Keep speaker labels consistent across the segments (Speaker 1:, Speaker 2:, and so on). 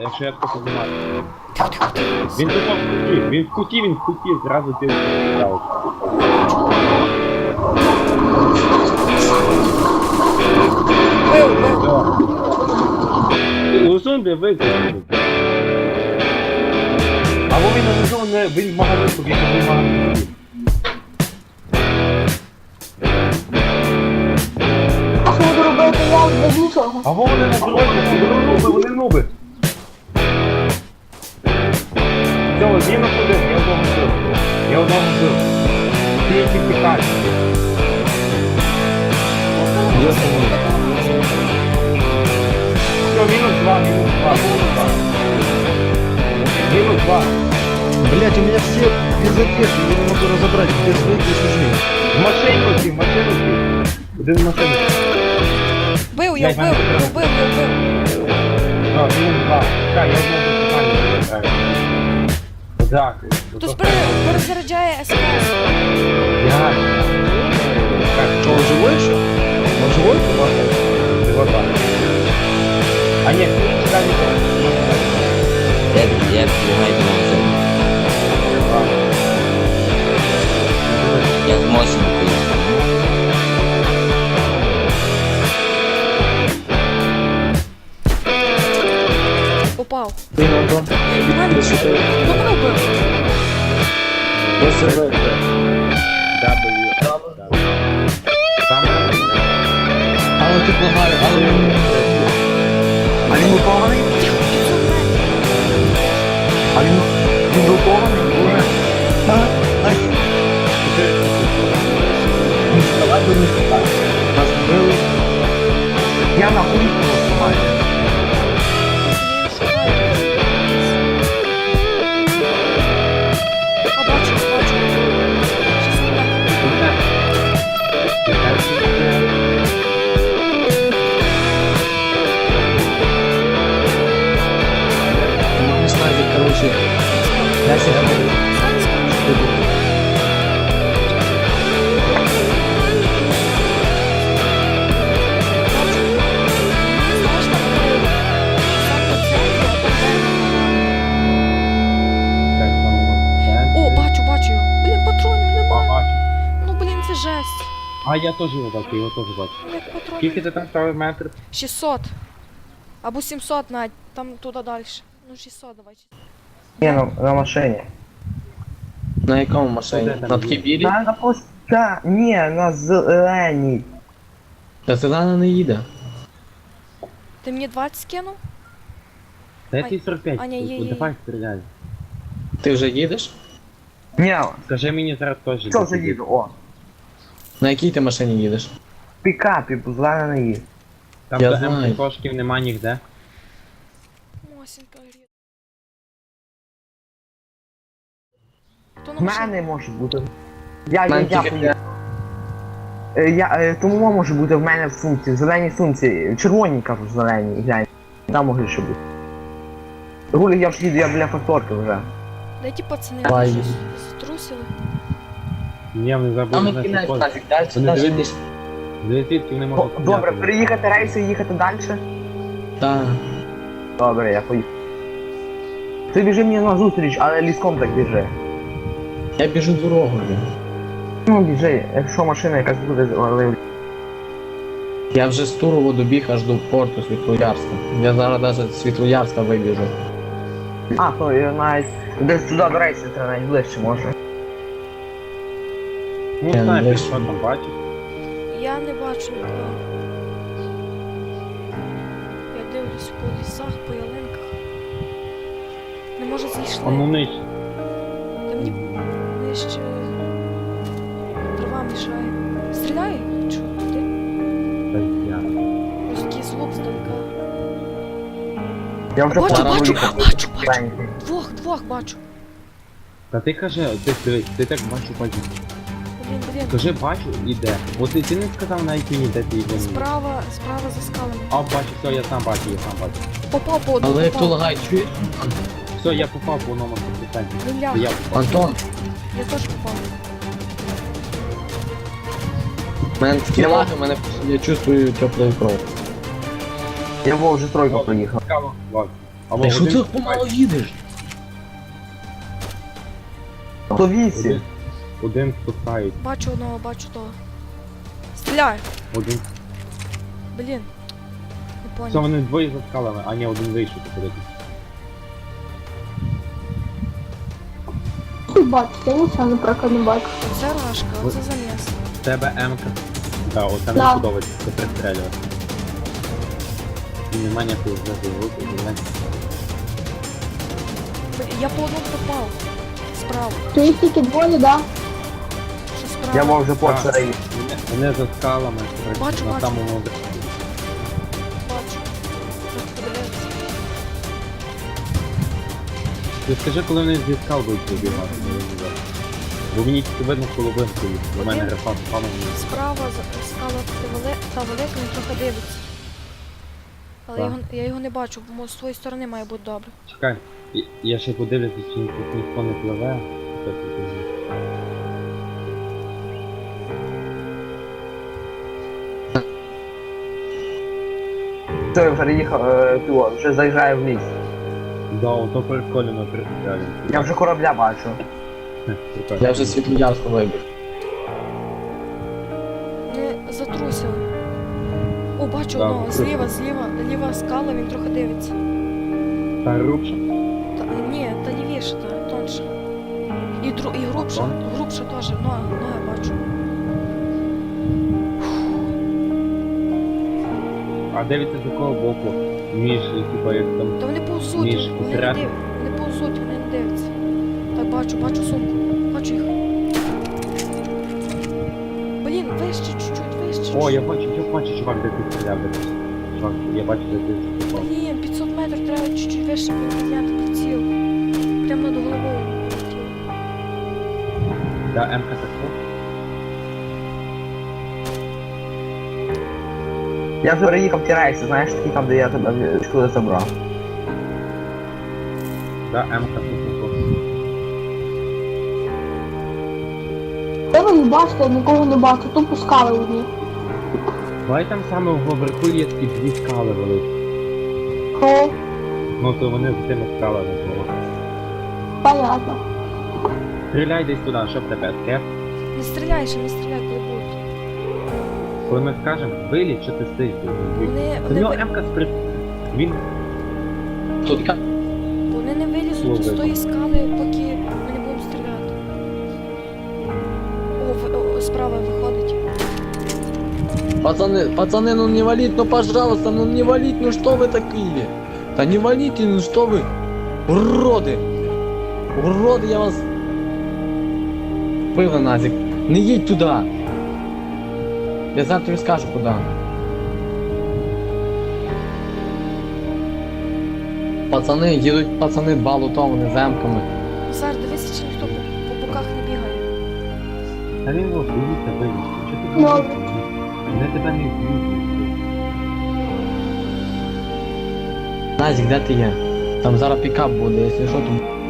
Speaker 1: якщо я тако знімаю. Він тут в куті, він в куті, зразу ти вставив. Усунь де викликати. Або він не знову не, він в магазин побіг, або в магазин побіг.
Speaker 2: А що буду робити я без нічого?
Speaker 1: Або вони на дорозі, вони нуби. Все, він находив, я одного вбив. Я одного вбив. Ти які тікаєш. Все, мінус 2. Минус 2.
Speaker 3: Блять, у меня все без одежды, я не могу разобрать, где свои, где чужие.
Speaker 1: В машину сів. Один в машину.
Speaker 4: Бив, я вбив.
Speaker 1: Так, мінус 2. Так, я одного питання. Так.
Speaker 4: Хтось перезаряджає СКС.
Speaker 3: Что, он живой еще? Он живой?
Speaker 1: А нет, сюда не то.
Speaker 5: Я понимаю, я с мощным
Speaker 4: Упав.
Speaker 3: Ты на дом?
Speaker 4: Мене хто мене вбив?
Speaker 3: Я СВ.
Speaker 1: Там.
Speaker 3: Але ти благаю, але він... А він упований? А він упований? Уже? Ай. Не вставай, бо не вставай. Нас вбили. Я на улицу розсумаю.
Speaker 4: А, бачу. Щас мене.
Speaker 3: Не знаю, короче. Я себя говорю.
Speaker 4: О, бачу його. Блін, патронів нема. Ну, блін, це жесть.
Speaker 1: А я теж його бачу.
Speaker 4: Як патронів?
Speaker 1: Скільки ти там ставив метр?
Speaker 4: 600. Або 700 навіть. Там туди далі. Ну, 600 давай.
Speaker 6: Не, на машині.
Speaker 3: На якому машині?
Speaker 1: Куди там
Speaker 3: На такій білій?
Speaker 6: На пуста, ні, на зеленій.
Speaker 3: Та зелена не їде.
Speaker 4: Ти мені 20 скинув?
Speaker 1: Та я тобі 45.
Speaker 4: Аня, є.
Speaker 1: Давай стріляй.
Speaker 3: Ти вже їдеш?
Speaker 6: Ні,
Speaker 1: Скажи мені зараз теж.
Speaker 6: що вже їду, о.
Speaker 3: На якій ти машині їдеш?
Speaker 6: Пікапі, зелена не їде.
Speaker 1: Там
Speaker 3: Я
Speaker 1: до
Speaker 3: знаю.
Speaker 1: М-кошків нема ніде.
Speaker 4: Мосінка гріє.
Speaker 6: В мене може бути. Я
Speaker 3: Мене
Speaker 6: поїду.
Speaker 3: тільки
Speaker 6: Тому може бути в мене в сумці, в зеленій сумці, червоній, кажу, зеленій, глянь. Там може ще бути. Гулі, я ж їду, я біля факторки вже.
Speaker 4: Де ті пацани?
Speaker 3: Давай.
Speaker 4: Щось струсили?
Speaker 1: Ні, вони
Speaker 3: Там
Speaker 1: забули
Speaker 3: і кінець
Speaker 1: знати
Speaker 3: нафіг, далі
Speaker 1: Вони
Speaker 3: далі
Speaker 1: дивляться.
Speaker 3: їдеш.
Speaker 1: Звідки не можуть
Speaker 6: Добре,
Speaker 1: стріляти.
Speaker 6: переїхати рейси і їхати далі?
Speaker 3: Так.
Speaker 6: Добре, я поїду. Ти біжи мені на зустріч, але ліском так біжи.
Speaker 3: Я біжу дорогою.
Speaker 6: Ну біжи, якщо машина якась буде але...
Speaker 3: Я вже з Турово добіг аж до порту Світлоярська. Я зараз навіть з Світлоярська вибіжу.
Speaker 6: А, то я навіть десь туди до рейсу треба навіть ближче може.
Speaker 1: Ну,
Speaker 3: Я
Speaker 1: знаєш,
Speaker 3: не
Speaker 1: що там бачиш?
Speaker 4: Я не бачу нікого. Я дивлюсь по лісах, по ялинках. Не може зійшли.
Speaker 1: Воно нижче.
Speaker 4: Та мені нижче трава мішає. Стріляє? Чого? Туди?
Speaker 1: Та я.
Speaker 4: Ось такий звук здалека.
Speaker 6: Я вже
Speaker 4: Бачу,
Speaker 6: пора
Speaker 4: бачу,
Speaker 6: виїхати.
Speaker 4: бачу.
Speaker 6: Маленький.
Speaker 4: Двох бачу.
Speaker 1: Та ти кажи, ти так бачу.
Speaker 4: Блін.
Speaker 1: Кажи, бачу, іде. От ти не сказав навіть мені, де ти йде.
Speaker 4: Справа за скалами.
Speaker 1: А, бачу, все, я сам бачу.
Speaker 4: Попав по одному.
Speaker 3: Але як то лагай, чуєш?
Speaker 1: Все, я попав по одному питанню.
Speaker 4: Він ляг.
Speaker 1: Я попав.
Speaker 3: Антон,
Speaker 4: Я теж попав.
Speaker 3: в мене такі лаги, я чувствую теплу кров.
Speaker 6: Я вже тройку проїхав.
Speaker 1: Цікаво. Ладно. Або
Speaker 3: Ти що
Speaker 1: один,
Speaker 3: ти помало їдеш?
Speaker 6: 108.
Speaker 1: один спускають,
Speaker 4: Бачу одного, бачу того. Стріляй!
Speaker 1: один.
Speaker 4: Блін. Не
Speaker 1: Все,
Speaker 4: понял.
Speaker 1: вони двоє за скалами, а ні, один вийшов походити.
Speaker 2: Бачите, я нічого наприклад не бачу.
Speaker 4: Оце рашка, оце заміс.
Speaker 1: В тебе М-ка. Так, оце
Speaker 2: Да.
Speaker 1: не подобається, це пристрелювати. І нема ніякого зв'язку руки, блядь.
Speaker 4: Я по одному попав. Справа.
Speaker 2: То їх тільки двоє, да?
Speaker 4: Що справа?
Speaker 6: Я мав вже почерей.
Speaker 1: Вони за скалами,
Speaker 4: Бачу,
Speaker 1: на
Speaker 4: бачу.
Speaker 1: самому
Speaker 4: Бачу. Треба подивитися.
Speaker 1: Ти скажи, коли вони зі скал будуть вибігати, не вибігати. Бо мені тільки видно половинку, у мене рефа спала.
Speaker 4: Справа скала та велика, він трохи дивиться. Але
Speaker 1: Так.
Speaker 4: я його не бачу, бо з своєї сторони має бути добре.
Speaker 1: Чекай, я ще подивлюся, чи тут ніхто не пливе. Так,
Speaker 6: Все, вже їхав, вже заїжджає в ліс.
Speaker 1: да, ото прикольно пристрелюємо.
Speaker 6: Я вже корабля бачу.
Speaker 3: Я вже Світлоярську вибіг.
Speaker 4: Не затрусили. О, бачу
Speaker 1: Так,
Speaker 4: одного.
Speaker 1: трусили.
Speaker 4: Ліва скала, він трохи дивиться.
Speaker 1: Та рубша.
Speaker 4: Ні, та лівіше, та тонше. І грубша, грубша теж, ноги бачу.
Speaker 1: А дивіться з якого боку? Між, типа, як там.
Speaker 4: Та вони повзуть,
Speaker 1: Між,
Speaker 4: вони не
Speaker 1: посеред.
Speaker 4: дивляться. Вони повзуть, вони не дивляться. Так, бачу сумку. Бачу їх. Блін, вище чуть-чуть, вище.
Speaker 1: О, я бачу, чувак, де ти стріляв. Чувак, я бачу, де ти стріляв.
Speaker 4: Блін, 500 метрів треба чуть-чуть вище підняти приціл. Прямо над головою. летів.
Speaker 1: Да, М-ка так.
Speaker 6: Я вже переїхав ті рейси, знаєш, такі там, де я тебе школи забрав.
Speaker 1: Да, М-ка тут.
Speaker 2: Де ви не бачите, я нікого не бачу, тут пускали одні.
Speaker 1: Давай там саме вверху є такі дві скали великі.
Speaker 2: О,
Speaker 1: Ну то вони з тими скалами були.
Speaker 2: понятно.
Speaker 1: Стріляй десь туди, що в тебе скеп.
Speaker 4: Не стріляй ще, не стріляй, коли будуть.
Speaker 1: Коли ми скажемо, виліт, що ти стоїш.
Speaker 4: Вони
Speaker 1: До нього М-ка спри... Він
Speaker 3: Тут яка?
Speaker 4: Вони не вилізуть
Speaker 1: Слово
Speaker 4: з тої
Speaker 1: видно.
Speaker 4: скали, поки ми не будемо стріляти. О, справа виходить.
Speaker 3: Пацаны, ну не валить, ну пожалуйста, ну не валить, ну что вы такие? Да не валите, ну что вы? Уроды! Уроды, я вас... Пиво, Назик, не їдь туди. Я зараз тобі скажу куди. Пацани, їдуть пацани два лутовані замками.
Speaker 4: Зараз дивися, чи ніхто по боках не бігає.
Speaker 1: Та він його боїться вилізти. Що ти
Speaker 2: Ну.
Speaker 1: боїшся? Вони тебе не вб'ють.
Speaker 3: Назик, де ти є? Там зараз пікап буде, якщо що, то...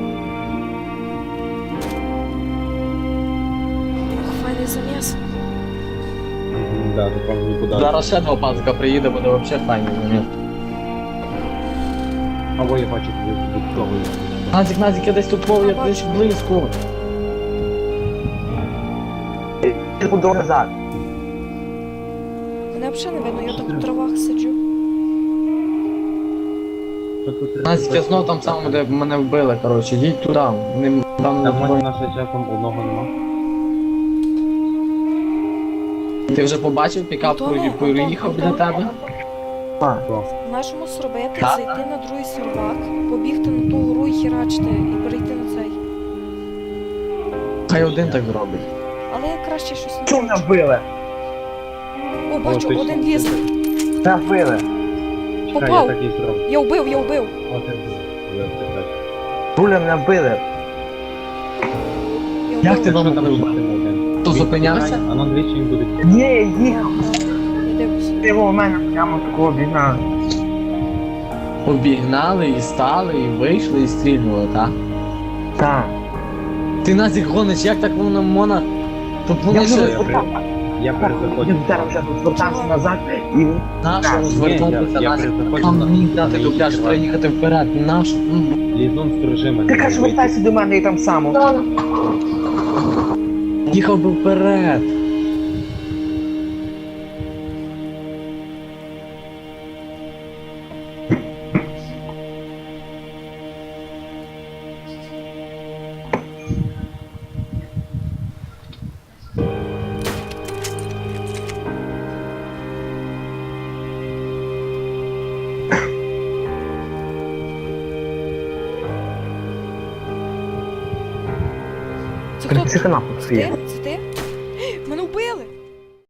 Speaker 4: Ох, файний заміс.
Speaker 1: Да, то там нікуди.
Speaker 3: Зараз ще два пацика приїде, буде взагалі файний момент.
Speaker 1: Або я бачу, тобі від того.
Speaker 3: Назик, я десь тут плаваю, я десь близько.
Speaker 6: Ти буду назад.
Speaker 4: Мене взагалі не видно, я так в травах сиджу.
Speaker 3: Назик, я знов там самому, де мене вбили, коротше, їдь туди. Вони там
Speaker 1: Там може наше часом одного нема.
Speaker 3: Ти вже побачив пікап, поїхав біля тебе?
Speaker 4: В нашому зробити,
Speaker 3: Так.
Speaker 4: зайти на другий сервак, побігти на ту гору і херачити, і перейти на цей.
Speaker 3: Хай один так зробить.
Speaker 4: Але я краще щось
Speaker 6: Чому
Speaker 4: не
Speaker 6: мене
Speaker 4: бачу.
Speaker 6: вбили?
Speaker 4: О, бачу,
Speaker 1: точно.
Speaker 4: один лізе.
Speaker 6: Мене вбили.
Speaker 1: Чекай,
Speaker 4: Попав.
Speaker 1: я так і зроблю.
Speaker 4: Я вбив.
Speaker 1: О, ти вбив.
Speaker 6: Руля мене вбили.
Speaker 4: Я
Speaker 3: Як ти
Speaker 4: вбив.
Speaker 3: вам
Speaker 1: Що там
Speaker 3: вбив?
Speaker 1: ще один?
Speaker 3: Хто зупинявся?
Speaker 1: А на двічі він буде.
Speaker 6: Ні, я їхав.
Speaker 4: Я дивлюся.
Speaker 6: Ти його в мене прямо такого бігна.
Speaker 3: Обігнали і стали, і вийшли, і стрільнули, так?
Speaker 6: Так.
Speaker 3: Ти Назик гониш, як так воно можна? Тут
Speaker 6: Я
Speaker 3: вони
Speaker 6: вже
Speaker 3: ще...
Speaker 6: висока.
Speaker 1: Я перезаходжу.
Speaker 6: Він зараз вже тут звертався назад і
Speaker 3: Нащо
Speaker 6: Так,
Speaker 3: розвертатися?
Speaker 1: я
Speaker 3: Нащо?
Speaker 1: перезаходжу
Speaker 3: Там
Speaker 1: на-
Speaker 3: мені дати
Speaker 1: на
Speaker 3: дубляж,
Speaker 1: інший
Speaker 3: треба
Speaker 1: раз.
Speaker 3: їхати вперед. Нащо?
Speaker 1: Лізун сторожи мене.
Speaker 6: ти кажеш, вертайся до мене і там само.
Speaker 2: Ладно.
Speaker 3: Їхав би вперед.
Speaker 4: Це хто?
Speaker 6: Це канапа
Speaker 4: Це
Speaker 6: своє.
Speaker 4: ти? Це ти?